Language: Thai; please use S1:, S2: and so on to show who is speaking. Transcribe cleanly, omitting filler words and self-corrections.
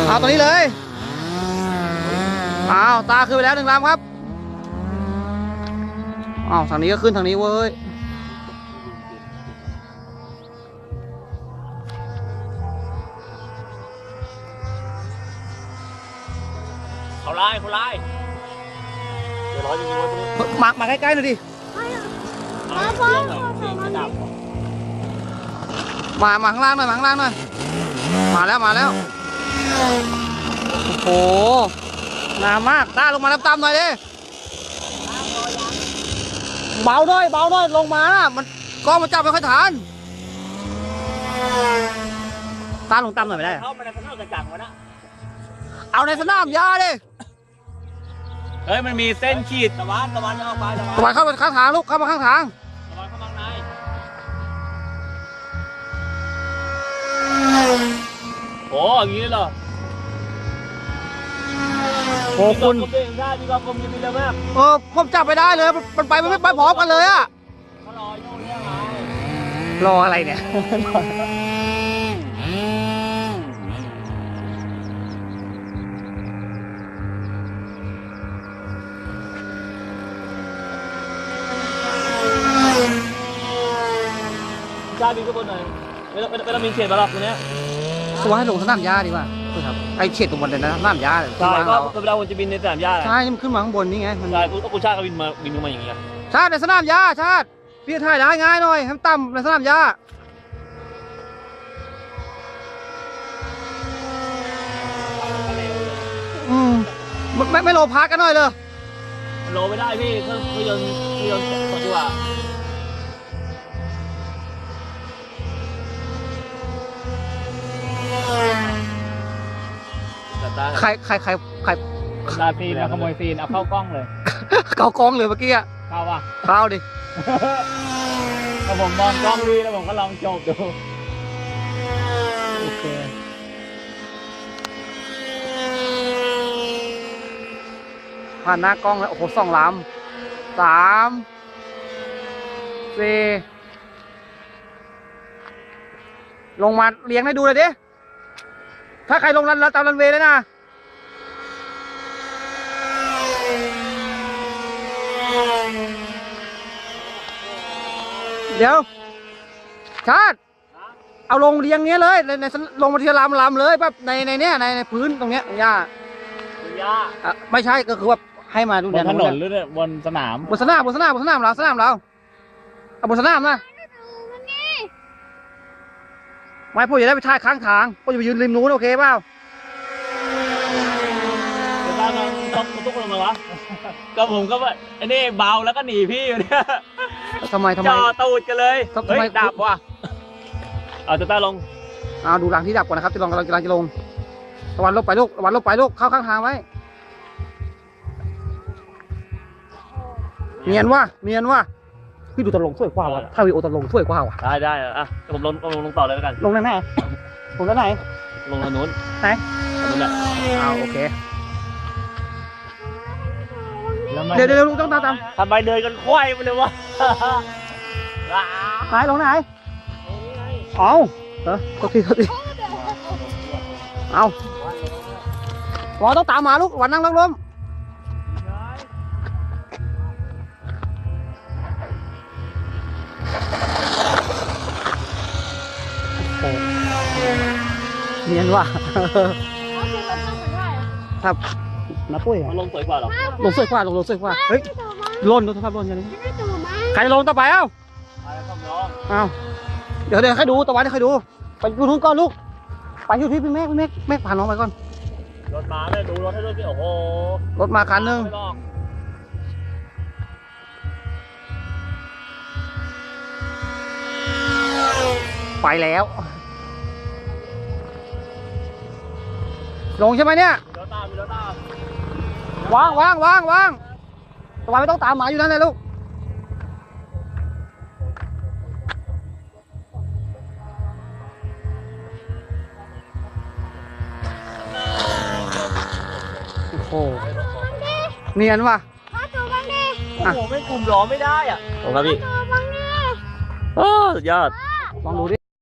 S1: เอาตัวนี้เลยเอาตาขึ้นไปแล้ว1 ลำครับเอาทางนี้ก็ขึ้นทางนี้เว้ย
S2: เขาไล่เดี๋ยวร้อยจริงๆว่าตรงนี้
S1: มาใกล้ๆหน่อยดิมาข้างล่างหน่อยมาข้างล่างหน่อยมาแล้วโอ้โหนานมากตาลงมาต่ำๆหน่อยดิเบาหน่อยลงมามันกล้องมันจับไม่ค่อยทันตาลงต่ำหน่อยไม่ได้
S2: เข้ามาในสนามกระจังวะนะ
S1: เอาในสนามหญ้าดิ
S2: เฮ้ยมันมีเส้นขีดตะวันเข้าไป
S1: ตะวันเข้ามาข้างทางลูกเข้ามาข้างทาง
S2: ตะวันเข้ามาในโอ้อย่างนี้เหรอ
S1: โอ้คุณ
S2: มีความคมยินดีเลยมาก
S1: ผมจับไปได้เลยมันไปไม่พร้อมกันเลยอะ
S2: เขารออยู่เนี่ยไง
S1: รออะไรเนี่ย
S2: ชาบินก็บนหน่อยไม่ต้องมีเขตบาร์ตรงนี้
S1: ตัวให้ลงสนามหญ้าดีกว่าครับไอเขตตรงบนเลยนะสนามหญ้า
S2: ใช่ก็เวลาคนจะบินในสนามหญ้า
S1: ใช่มันขึ้นมาข้างบนนี่ไง
S2: ใช่คุณชาติก็บินมาอย่างเงี้ย
S1: ชาติในสนามหญ้าชาติพี่ถ่ายได้ง่ายหน่อยให้ต่ำในสนามหญ้าไม่โลพากันหน่อยเลย
S2: โลไม่ได้พี่เครื่องยนต์ต่อตัว
S1: ใคร
S2: ตาซีนขโมยซีนเอาเข้ากล้องเลย
S1: เกากองเลยเมื่อกี้อะ
S2: เข้าป่ะ
S1: เข้าดิ
S2: ถ้าผมมองกล้องดีแล้วผมก็ลองจบดู
S1: โอเคผ่านหน้ากล้องแล้วโอ้โห2 ลำ 3 4ลงมาเลี้ยงให้ดูเลยดิถ้าใครลงตามรันเวย์เลยนะเดี๋ยวชาติเอาลงเรียงเงี้ยเลยในลงมาทีละลำเลยแบบในเนี้ยในพื้นตรงเนี้ยหญ้าไม่ใช่ก็คือว่าให้มาดู
S2: บนถนนหรือบนสนาม
S1: บนสนามเราเอาบนสนามนะไม่พ่อจะได้ไปถ่ายข้างทางพ่อจะไปยืนริมนู้นโอเคเปล่า
S2: เดี๋ยวต้องทุกคนมาวะก็ผมก็ว่าไอ้นี่เบาแล้วก็หนีพี่อยู่เนี่ย
S1: ทำไม
S2: จ่อตูดกันเลย
S1: ทำไม
S2: ดับวะเอาจะต้าลง
S1: ดูหลังที่ดับก่อนนะครับจะลงกำลังจะลงตะวันลบไปลูกเข้าข้างทางไว้เนียนว่าพี่ดูตะลงสวยกว่าวะถ้าวิโอตะลงสวยกว่าวะ
S2: ได้อะผมลงต่อเลยแล้วกัน
S1: ลงไหนผมด้านไหน
S2: ลงทางนู้น
S1: ไหน
S2: นู้นแหละ
S1: โอเคเดี๋ยวลุงต้องตาม
S2: ทำไมเดินกันควายไปเลยวะ
S1: ไหนลงไหนเอาโทษทีเอาวันต้องตามมาลูกวันนั่งล้มเนียนว่ะครับนะปุ้ย
S2: ลงสวยกว่าหรอ
S1: ลงสวยกว่าเฮ้ยล่นดูสภาพล่นอย่างนี้ใครลงต่อไปเอ้าเดี๋ยวให้ดูตะวันให้ดูไปดูทุนก่อนลูกไปอยู่ที่พี่เมฆผ่านน้องไปก่อน
S2: รถมาเลยดูรถให้ด้วยสิโอ้โห
S1: รถมาคันนึงไปแล้วลงใช่ไหมเนี่ยวางตะวันไม่ต้องตามหมาอยู่นั่นเลยลูกโอ้โหเนียนว่ะ
S2: โอ้โหไม่กลุ่มล้อไม่ได้อ่ะโอ้ครับพี่สุดยอด
S1: ลองดูดิ